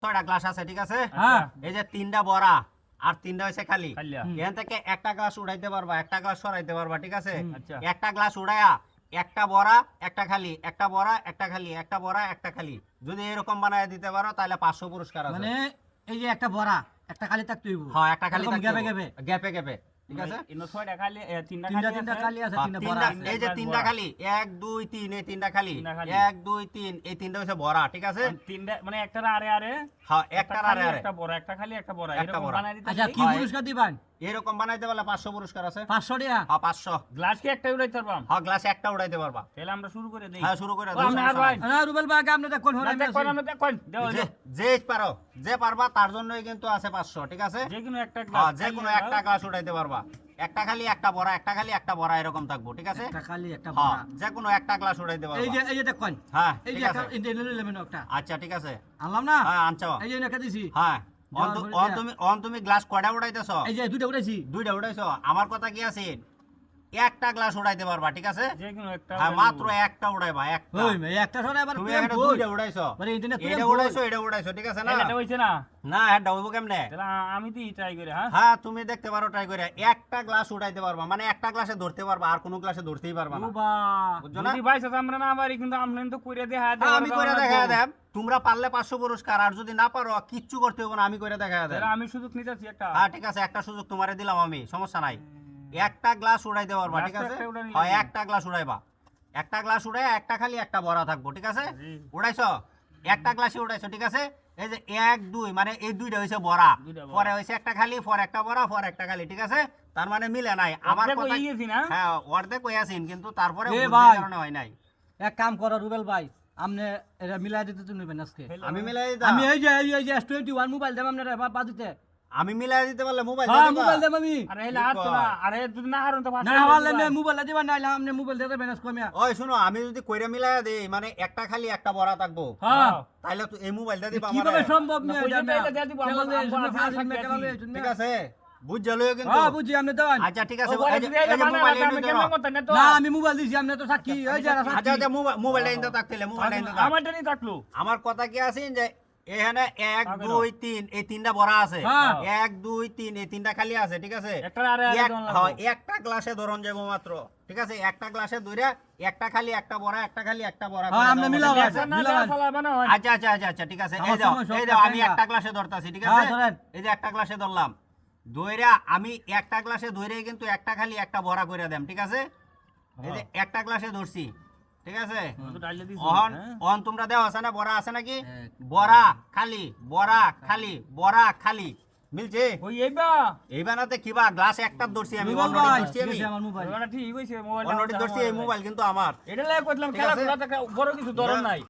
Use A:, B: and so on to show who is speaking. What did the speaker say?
A: ছয়টা গ্লাস আছে, ঠিক আছে?
B: হ্যাঁ।
A: এই যে তিনটা বড়া আর তিনটা হইছে খালি।
B: খালি।
A: এখান থেকে একটা গ্লাস উড়াইতে পারবা, একটা গ্লাস সরাইতে পারবা, ঠিক আছে?
B: আচ্ছা।
A: একটা গ্লাস উড়াইয়া একটা বড়া একটা খালি, একটা বড়া একটা খালি, একটা বড়া একটা খালি, যদি এরকম বানায় দিতে পারো তাহলে 500 পুরস্কার আছে।
C: মানে এই যে একটা বড়া একটা খালি থাকতে হইব।
A: হ্যাঁ, একটা খালি
C: এরকম
A: থাকতে
C: গ্যাপে
A: হবে।
C: গ্যাপে
A: গ্যাপে গ্যাপে, ঠিক আছে?
B: ইনো 6টা খালি, তিনটা
C: তিনটা খালি আছে,
A: হ্যাঁ,
C: তিনটা
A: তিনটা,
C: বড়া আছে।
A: এই যে
B: এক
A: তিনটা
B: বড়া।
A: খালি, 1 2 3, এই তিনটা খালি,
B: তিনটা খালি।
A: 1 2 3, এই তিনটা হচ্ছে বড়া, ঠিক আছে?
B: তিনটা মানে একটা আরে আরে
A: হ্যাঁ,
B: একটা
A: একটার
B: খালি,
A: আরে আরে
B: একটা বড়, একটা খালি একটা বড়,
A: একটা
B: এরকম
A: বড়।
B: বানাই দিতে।
C: আচ্ছা কি
A: হয়।
C: পুরস্কার দিবেন?
A: এরকম বানাইতে পারলে 500 পুরস্কার আছে।
C: 500 টাকা।
A: হ্যাঁ, 500।
B: গ্লাস কি একটা উড়াইতে পারবাম?
A: হ্যাঁ, গ্লাসে একটা উড়াইতে পারবা।
B: তাহলে আমরা শুরু করে দেই।
A: হ্যাঁ, শুরু করে
B: ও,
A: দাও,
B: আপনি আর
A: সমস্যা
B: ভাই।
A: নাই।
C: না রুবেল ভাই আপনি দেখুন
B: না, দেখুন, আমরা দেখুন, দেও, দেও।
A: যে পারো, যে পারবা তার জন্যই কিন্তু আছে 500, ঠিক আছে?
B: যে কোনো একটা
A: হ্যাঁ,
B: গ্লাস
A: যে কোনো একটা গ্লাস উঠাইতে পারবা। একটা খালি একটা বড়া, একটা খালি একটা বড়া, এরকম থাকবো, ঠিক আছে?
C: একটা খালি একটা
A: হ্যাঁ,
C: বড়া।
A: যে কোনো একটা গ্লাস উঠাইতে
C: এই
A: পারবা।
C: যে দেখুন
A: হ্যাঁ,
C: এই
A: ঠিক
C: যে একটা
A: আছে।
C: এই যে নিলেন একটা
A: আচ্ছা, ঠিক আছে।
C: আনলাম না?
A: হ্যাঁ, আনছো।
C: এই যে একটা দিছি।
A: হ্যাঁ,
C: দেওয়ার পরে
A: তুমি গ্লাস কয়টা উঠাইতেছো?
C: এই যে দুইটা উঠাইছি।
A: দুইটা উঠাইছো। আমার কথা কি আছে, একটা গ্লাস উঠাইতে পারবা, ঠিক আছে?
B: যে কোনো একটা
A: হ্যাঁ,
B: উড়াইবো।
A: মাত্র একটা উঠাইবা, একটা।
C: ওই মেয়ে একটা সরে আবার
A: তুমি
C: প্রেম
A: এখানে
C: বই।
A: দুইটা উঠাইছো।
C: মানে ইন্টারনেট
A: এটা উঠাইছো, এটা উঠাইছো, ঠিক আছে না?
B: তাহলে এটা হইছে না?
A: না, এটা হইব কেমনে?
B: তাহলে আমি তো ট্রাই করি, হ্যাঁ?
A: হ্যাঁ, তুমি দেখতে পারো ট্রাই করে। একটা গ্লাস উঠাইতে পারবা, মানে একটা গ্লাসে ধরতে পারবা, আর কোনো গ্লাসে ধরতেই পারবা না,
C: বাবা
A: বুঝছো না?
B: যদি ভাই সাথে আমরা না পারি, কিন্তু আমরা তো কইরা দেখা দেব।
A: হ্যাঁ, আমি করে দেখা দেব। তোমরা পারলে 500 পুরস্কার, আর যদি না পারো কিচ্ছু করতে হবে না, আমি করে দেখা দেব।
B: তাহলে আমি শুধু নিতেছি একটা।
A: হ্যাঁ, ঠিক আছে, একটা সুযোগ তোমারে দিলাম আমি, সমস্যা নাই। একটা গ্লাস উড়াইতে পারবা, ঠিক
B: গ্লাস তো
A: আছে?
B: একটা উড়াই নিলাম।
A: হ্যাঁ, একটা গ্লাস উড়াইবা। একটা গ্লাস উড়াই একটা খালি একটা বড়া থাকবো, ঠিক আছে?
B: জি।
A: উড়াইছো, একটা গ্লাসে উড়াইছো, ঠিক আছে? এই যে 1 2, মানে এই দুইটা হইছে বড়া,
B: দুইটা বড়া।
A: পরে হইছে একটা খালি, পরে একটা বড়া, পরে একটা খালি, ঠিক আছে? তার মানে মিলে নাই আমার
B: অর্ধেক
A: কথা।
B: হয়ে গেছি না?
A: হ্যাঁ, অর্ধেক হইয়াছেন, কিন্তু তারপরে
C: এ
A: বুদ্ধির
C: ভাই।
A: কারণে হয় নাই।
C: এক কাম করো রুবেল ভাই আপনি এটা মিলাই দিতে তুমি নেবেন আজকে।
A: আমি মিলাই দিতাম।
C: আমি এই যে S21 মোবাইল দেব আপনারা বাদিতে।
A: আমি মিলাই দিতে পারলে মোবাইল
C: হ্যাঁ
A: দিতে
C: মোবাইল দেব আমি।
B: আরে হেলা আর তো না, আরে যদি না হারুন তো
C: না হলে না মোবাইল দিবা না আপনি মোবাইল দিতে বেনাস কমিয়া।
A: ওই শুনো, আমি যদি কইরা মিলাই দেই, মানে একটা খালি একটা বড়া থাকবো,
C: হ্যাঁ
A: তাহলে তো এই মোবাইলটা দিবা
C: কিভাবে
A: আমারে,
C: সম্ভব
B: না,
C: না
B: পয়সা
C: এটা
B: তো এটা দিয়ে দিব,
A: ঠিক আছে? বুঝছলো কিন্তু।
C: হ্যাঁ বুঝি আপনি দেন।
A: আচ্ছা, ঠিক আছে,
B: ও বলে
A: এই যে-
B: যদি
A: এই
B: এটা
A: যে
B: বানায়
A: মোবাইল
B: আমি
A: এনে
B: কেমন
A: ধরো।
B: করতে না তো?
C: না আমি মোবাইল দিছি আপনি তো সাক্ষী এই যে
A: আচ্ছা, আচ্ছা, মোবাইলটা এনে থাকতেলে, মোবাইলটা এনে থাক।
B: আমারটা নি থাকলো।
A: আমার কথা কি আছে যে এখানে 1
B: তাকে
A: 2 3 এই তিনটা বড়া আছে,
C: হ্যাঁ।
A: 1 2 3 এই তিনটা খালি আছে, ঠিক আছে?
B: একটা আরে আরে দন লাগবো।
A: হ্যাঁ, একটা গ্লাসে ধরন যাবো মাত্র, ঠিক আছে? একটা গ্লাসে ধরে একটা খালি একটা বড়া, একটা খালি একটা বড়া করে
C: হ্যাঁ,
A: দাও
C: আপনি
A: আমাকে,
C: মিলাও,
A: ঠিক
B: আচ্ছা,
A: আছে?
B: না
C: মিলাও।
B: দেওয়া ফলাবে না হয়।
A: আচ্ছা, আচ্ছা, আচ্ছা, আচ্ছা, ঠিক আছে।
C: আমার
A: এই দাও,
C: সময় সব
A: এই দাও, আমি
C: টাকা।
A: একটা গ্লাসে ধরতাছি, ঠিক
C: হ্যাঁ,
A: আছে?
C: ধরেন।
A: এই যে একটা গ্লাসে ধরলাম, ধইরা আমি একটা গ্লাসে ধরে কিন্তু একটা খালি একটা বড়া করে দেম, ঠিক আছে? এই যে একটা গ্লাসে ধরছি, ঠিক আছে?
B: তো ডাইলে দিছি,
A: অহন
B: হ্যাঁ?
A: অহন তোমরা দেও আছে না, বড়া আছে নাকি?
C: এক,
A: বড়া খালি, বড়া খালি, বড়া খালি, মিলছে?
B: ওই এইবা
A: এই বানাতে কিবা গ্লাস একটা ধরছি আমি,
C: রুবেল
A: অলরেডি
C: ভাই
A: ধরছি আমি,
C: দিছে আমার মোবাইল।
B: ওটা ঠিক হইছে মোবাইল।
A: অলরেডি ধরছি, এই মোবাইল কিন্তু আমার।
B: এটা লাগে কইলাম
A: ঠিক
B: খেলা
A: আছে?
B: খোলা বড় কিছু ধরন নাই।